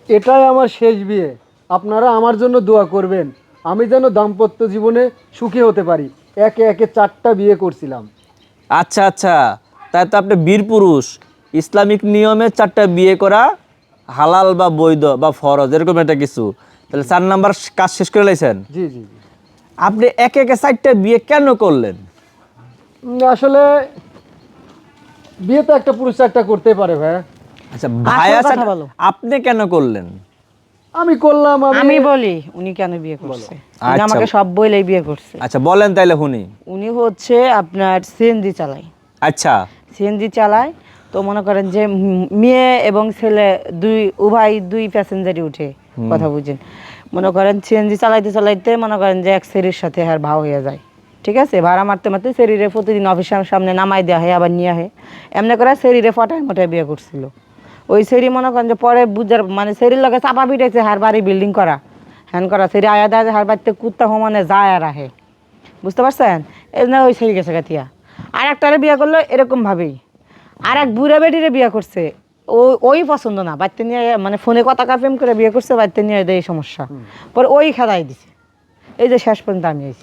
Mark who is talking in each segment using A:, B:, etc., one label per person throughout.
A: এটাই আমার শেষ বিয়ে। আপনারা আমার জন্য দোয়া করবেন, আমি যেন দাম্পত্য জীবনে সুখী হতে পারি। একে একে 4টা বিয়ে করছিলাম।
B: আচ্ছা আচ্ছা, তাই তো আপনি বীর পুরুষ। ইসলামিক নিয়মে 4টা বিয়ে করা হালাল বা বৈধ বা ফরজ এরকম একটা কিছু। তাহলে 4 নাম্বার কাজ শেষ করে লাইছেন।
A: জি জি জি।
B: আপনি একে একে 4টা বিয়ে কেন করলেন?
A: আসলে বিয়ে তো একটা পুরুষ একটা করতে পারে ভাই।
B: আচ্ছা ভাইয়া
C: কথা বলো।
B: আপনি কেন করলেন?
A: আমি করলাম।
C: আমি বলি উনি কেন বিয়ে করছে। উনি
B: আচ্ছা।
C: আমাকে সব বলেই বিয়ে করছে।
B: আচ্ছা বলেন তাইলে শুনি।
C: উনি হচ্ছে আপনার সিএনজি চালায়।
B: আচ্ছা
C: সিএনজি চালায়, তো মনে করেন যে মেয়ে এবং ছেলে দুই প্যাসেঞ্জারই উঠে, কথা বুঝেন। মনে করেন সিএনজি চালাইতে চালাইতে মনে করেন যে এক সেরির সাথে আর ভাও হয়ে যায়, ঠিক আছে। ভাড়া মারতে মারতে শরীরে প্রতিদিন অফিসের সামনে নামাই দেওয়া হয়, আবার নিয়ে হয়। এমনি করে শরীরে ফটায় মোটায় বিয়ে করছিল। ওই সেরি মনে করেন যে পরে বুঝার মানে সেরির লগে চাপা পিটাইছে, হার বাড়ি বিল্ডিং করা হ্যান করা। সেরি আয়া দেয় হার বাড়িতে কুত্তা সমানে যায় আর আহে, বুঝতে পারছেন। এই জন্য ওই সেরি গেছে গাতিয়া। আর একটারে বিয়ে করলো এরকমভাবেই। আর এক বুড়া বেটিরে বিয়ে করছে, ওই পছন্দ না, বাড়িতে নিয়ে মানে ফোনে কথা প্রেম করে বিয়ে করছে, বাড়িতে নিয়ে এই সমস্যা। পরে ওই খেদাই দিছে। এই যে শেষ পর্যন্ত আমি আইছি।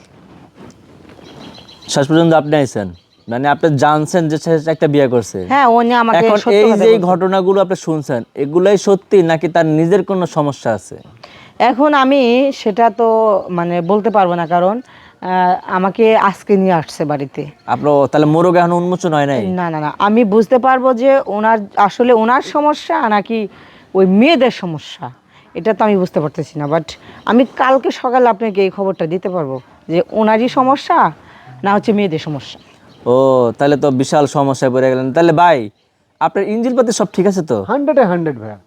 B: শেষ পর্যন্ত আপনি আইছেন, মানে আপনি জানছেন যে সে একটা বিয়ে করছে।
C: হ্যাঁ, ও নিয়ে আমাকে
B: এখন
C: সত্য
B: এই
C: কথা
B: যে
C: বলছে।
B: ঘটনাগুলো আপনি শুনছেন, এগুলাই সত্যি নাকি তার নিজের কোনো সমস্যা আছে?
C: এখন আমি সেটা তো মানে বলতে পারবো না, কারণ আমাকে আজকে নিয়ে আসছে বাড়িতে।
B: আপনার তাহলে মোরগ এখন উন্মোচন হয় নাই?
C: না না না, আমি বুঝতে পারবো যে ওনার সমস্যা নাকি ওই মেয়েদের সমস্যা, এটা তো আমি বুঝতে পারতেছি না। বাট আমি কালকে সকালে আপনাকে এই খবরটা দিতে পারবো যে ওনারই সমস্যা না হচ্ছে মেয়েদের সমস্যা।
B: ও তাহলে তো বিশাল সমস্যায় পড়ে গেলেন। তাহলে ভাই আপনার ইঞ্জিন পাতি সব ঠিক আছে তো?
A: 100 ভাইয়া।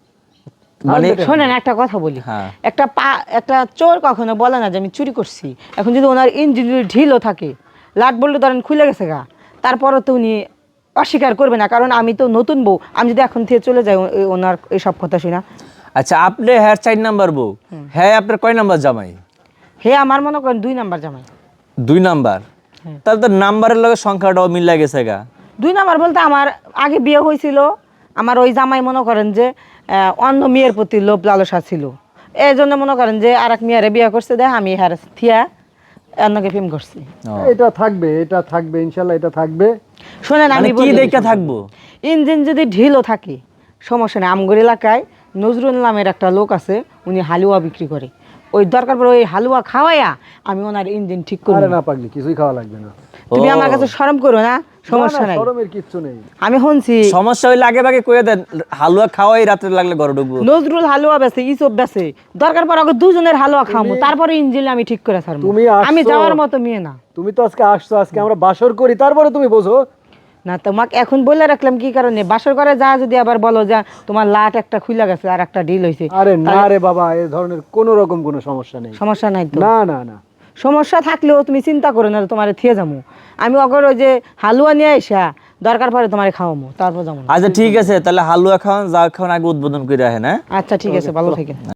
B: মানে
C: শোনেন একটা কথা বলি,
B: হ্যাঁ।
C: একটা চোর কখনো বলে না যে আমি চুরি করছি। এখন যদি ওনার ইঞ্জিন যদি ঢিলও থাকে, লাট বললে ধরেন খুলে গেছে গা, তারপরও তো উনি অস্বীকার করবে না, কারণ আমি তো নতুন বউ। আমি যদি এখন থেকে চলে যাই ওনার এইসব কথা শুনা।
B: আচ্ছা আপনি হ্যাঁ 4 নাম্বার বউ, হ্যাঁ আপনার কয় নাম্বার জামাই?
C: হে আমার মনে করেন 2 নাম্বার জামাই।
B: 2 নাম্বার? তাহলে তো নাম্বারের লগে সংখ্যাটাও মিলা গেছে গা।
C: 2 নাম্বার বলতে আমার আগে বিয়ে হয়েছিল, আমার ওই জামাই মনে করেন যে অন্য মেয়ের প্রতি লোভ লালসা ছিল। এই জন্য মনে করেন যে আর এক মেয়েরে বিয়ে করছে, দেখ আমি হ্যাঁ থিয়া অন্যকে প্রেম করছি।
A: এটা থাকবে ইনশাল্লাহ, এটা থাকবে।
C: শোনেন আমি
B: মানে কি দেখা থাকবো?
C: ইঞ্জিন যদি ঢিলও থাকে সমস্যা নেই। আমগর এলাকায় নজরুল নামের একটা লোক আছে, উনি হালুয়া বিক্রি করে। ওই দরকার পড়ে ওই হালুয়া খাওয়াইয়া আমি ওনার ইঞ্জিন ঠিক করি।
A: আরে না পাগলি, কিছুই খাওয়া লাগবে না।
C: তুমি আমার কাছে শরম করো না, সমস্যা
A: না, না,
C: নাই।
A: শরমের কিচ্ছু নেই।
C: আমি শুনছি
B: সমস্যা হইলে আগে ভাগে কইয়া দেন, হালুয়া খাওয়াই রাতে লাগলে ঘরে ঢুকবো।
C: নজরুল হালুয়া বেছে, ইসব বেছে, দরকার পর আগে দুজনের হালুয়া খামু, তারপরে ইঞ্জিন আমি ঠিক করে ছাড়বো।
A: তুমি
C: আমি
A: আসছো।
C: যাওয়ার মতো মেয়ে না।
A: তুমি তো আজকে আসছো, আজকে আমরা বাসর করি, তারপরে তুমি বোঝো।
C: না তোমাকে এখন বলে রাখলাম কি কারণে, বাসর করে যা যদি আবার বলো যে তোমার লাট একটা খুলে গেছে আর একটা ঢিল হয়েছে।
A: আরে না রে বাবা, এই ধরনের কোনো রকম কোনো সমস্যা নেই।
C: সমস্যা নাই তো?
A: না না না,
C: সমস্যা থাকলেও তুমি চিন্তা করো না, তোমার থিয়ে যাবো। আমি অগর ওই যে হালুয়া নিয়ে আসা দরকার পড়ে তোমার খাওয়াবো, তারপর যাবো।
B: আচ্ছা ঠিক আছে, তাহলে হালুয়া খাওয়ান, যা খাওয়ান আগে উদ্বোধন করে রাখেন। হ্যাঁ
C: আচ্ছা ঠিক আছে, ভালো থেকে।